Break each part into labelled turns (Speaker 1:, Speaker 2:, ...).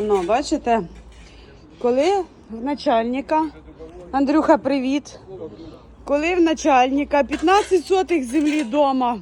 Speaker 1: Ну, бачите, коли в начальника, Андрюха, привіт, коли в начальника 15 сотих землі вдома,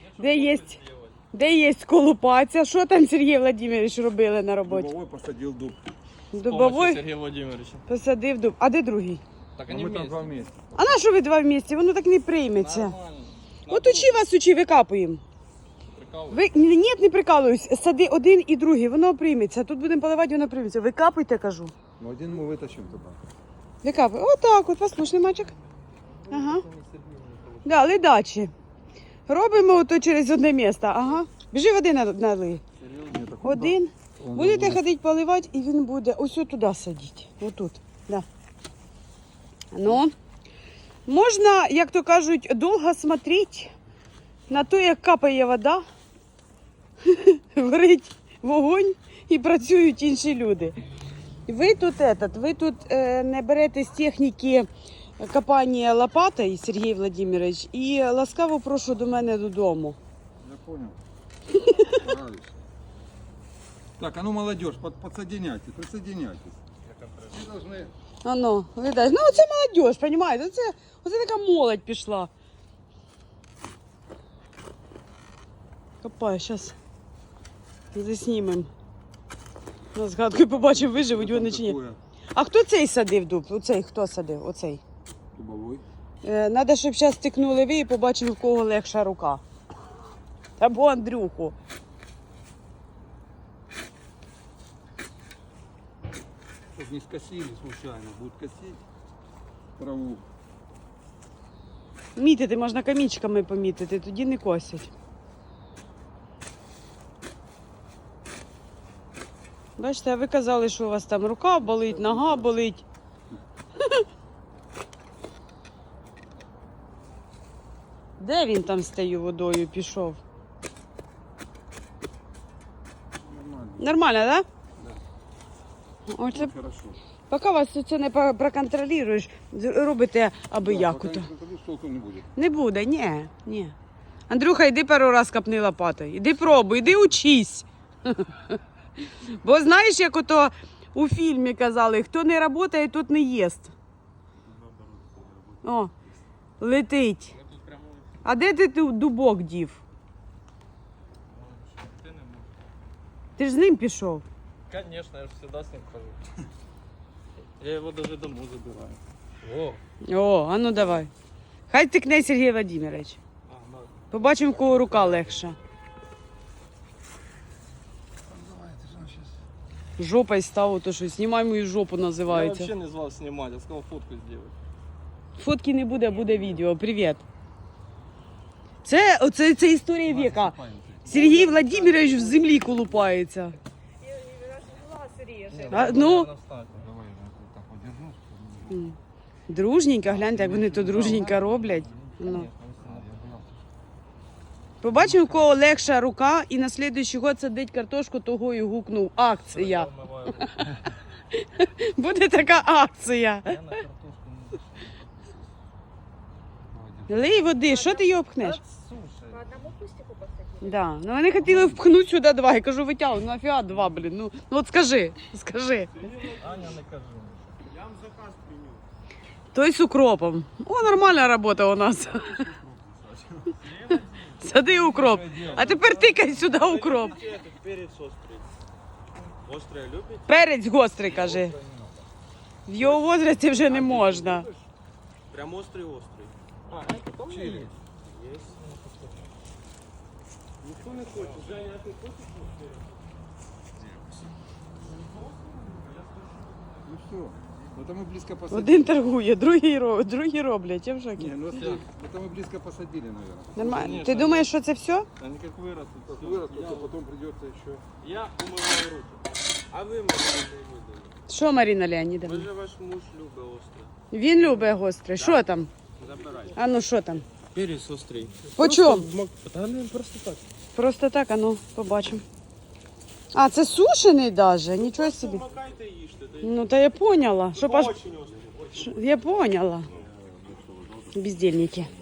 Speaker 1: де є колупація, що там Сергій Владимирович робили на роботі?
Speaker 2: Дубовой посадил дуб.
Speaker 1: Дубовой
Speaker 3: Сергія Владимировича.
Speaker 1: посадив дуб. А де другий?
Speaker 3: Так
Speaker 2: А
Speaker 3: они
Speaker 2: мы там
Speaker 3: вместе.
Speaker 2: два вместе.
Speaker 1: А на що ви два в місті? Воно так не прийметься.
Speaker 3: Нормально.
Speaker 1: От учи вас, учи, викапуємо.
Speaker 3: Прикалывай.
Speaker 1: Ні, не прикалуюсь. Сади один і другий, воно прийметься. Тут будемо поливати, воно прийметься. Викапуйте, кажу.
Speaker 2: Ну один мы вытащим туда.
Speaker 1: Викапуй. Отак от, послушний мальчик. Ага. Да, ледачі. Робимо ото через одне місце. Ага. Біжи води налий.
Speaker 2: Нет, так
Speaker 1: Один.
Speaker 2: он
Speaker 1: Будете
Speaker 2: будет.
Speaker 1: ходити поливати, і він буде ось туди садити. Отут. Да. Ну, можна, як то кажуть, довго смотреть на те, як капає вода, горить вогонь і працюють інші люди. Ви тут не берете з техніки копання лопатою, Сергій Владимирович, і ласкаво прошу до мене додому.
Speaker 2: Я понял. Стараюсь. Так, а ну молодежь, подсоединяйтесь, присоединяйтесь. Все должны...
Speaker 1: Ано, видать. Ну, оце молодь, розумієте? Оце така молодь пішла. Копай, зараз заснімемо. На згадку побачимо, виживуть вони чи ні.
Speaker 2: Такое
Speaker 1: А хто цей садив дуб? Оцей, хто садив? Оцей.
Speaker 2: дубовой.
Speaker 1: Надо, щоб зараз стикнули ви і побачили, в кого легша рука. Або Андрюху.
Speaker 2: Чтобы не скосили случайно, будут косить траву.
Speaker 1: Мітити можна камінчиками помітити, тоді не косять. Бачите, а ви казали, що у вас там рука болить, нога болить. Де він там з тією водою пішов?
Speaker 2: Нормально.
Speaker 1: Нормально, так?
Speaker 2: Да.
Speaker 1: Оце,
Speaker 2: Ну, хорошо.
Speaker 1: поки вас це не проконтролюєш, робите аби
Speaker 2: Да,
Speaker 1: як
Speaker 2: пока
Speaker 1: ото.
Speaker 2: не контролируешь, толку не будет.
Speaker 1: Не буде, ні. Андрюха, йди пару раз копни лопатою. Іди пробуй, іди учись. Бо знаєш, як ото у фільмі казали, хто не працює, тот не їсть. О, летить.
Speaker 3: Ми тут прямо
Speaker 1: А де ти дубок дів?
Speaker 3: ти не можеш.
Speaker 1: Ти ж з ним пішов.
Speaker 3: Конечно, я же всегда с ним хожу. Я его даже домой забираю. О,
Speaker 1: О, а ну давай. Хай тикне Сергій Владимирович.
Speaker 3: да.
Speaker 1: Побачимо, в кого рука легша.
Speaker 2: Давай, ты же сейчас...
Speaker 1: Жопою став, то що знімай мою жопу
Speaker 3: Я
Speaker 1: називається.
Speaker 3: вообще не звал снимать, я сказал фотку сделать.
Speaker 1: Фотки не буде, буде відео. Привіт. Це історія віка. Сергій Владимирович в землі колупається. А, ну,
Speaker 2: Давай, я так подержу. чтобы-
Speaker 1: дружненько, гляньте, як вони то дружненько роблять. Ну.
Speaker 2: Я боялся.
Speaker 1: Побачив, у кого легша рука, і на слідуючий год садить картошку, того і гукнув. Акція. Буде така акція.
Speaker 3: Я на картошку не зашел.
Speaker 1: Лий води, що ти його пхнеш?
Speaker 3: Слушай,
Speaker 4: По одному кустику посадили?
Speaker 1: Да. Ну вони хотіли впхнути сюди два. Я кажу, витягуй, ну нафіга два, блін. Ну от скажи.
Speaker 3: Аня, не кажи.
Speaker 1: Той з укропом. О, нормальна робота у нас. Сади укроп. А тепер тикай сюди укроп.
Speaker 3: Перец острый. Острый любите?
Speaker 1: Перець гострий, каже. В його возрасті вже не можна.
Speaker 3: Прям острый-острый. А, это там
Speaker 2: Чили.
Speaker 3: Есть. Никто не хочет. Женя, а ты хочешь?
Speaker 2: Ну все. Это мы близко посадили.
Speaker 1: Один торгує, другі роблять. Я в
Speaker 2: Не,
Speaker 1: шокі.
Speaker 2: ну это мы близко посадили, наверное.
Speaker 1: Нормально.
Speaker 3: Конечно.
Speaker 1: Ти думаєш, що це все?
Speaker 3: Они как вырастут.
Speaker 2: Как вырастут, то потом придется еще.
Speaker 3: Я умываю руки. А ви, Марина Леонідовна?
Speaker 1: Що, Маріна
Speaker 3: Ви
Speaker 1: Леонідовна?
Speaker 3: же ваш муж любить остре.
Speaker 1: Він любить гостре. Що там?
Speaker 3: Забирайте.
Speaker 1: А ну що там?
Speaker 3: Перец острий.
Speaker 1: По чому?
Speaker 3: Та не просто так.
Speaker 1: Просто так, а ну, побачимо. А, це сушений даже? Нічого собі.
Speaker 3: Макайте і їжте.
Speaker 1: Ну, та я поняла. Щоб аж...
Speaker 3: Очень острий.
Speaker 1: Я поняла. Бездельники.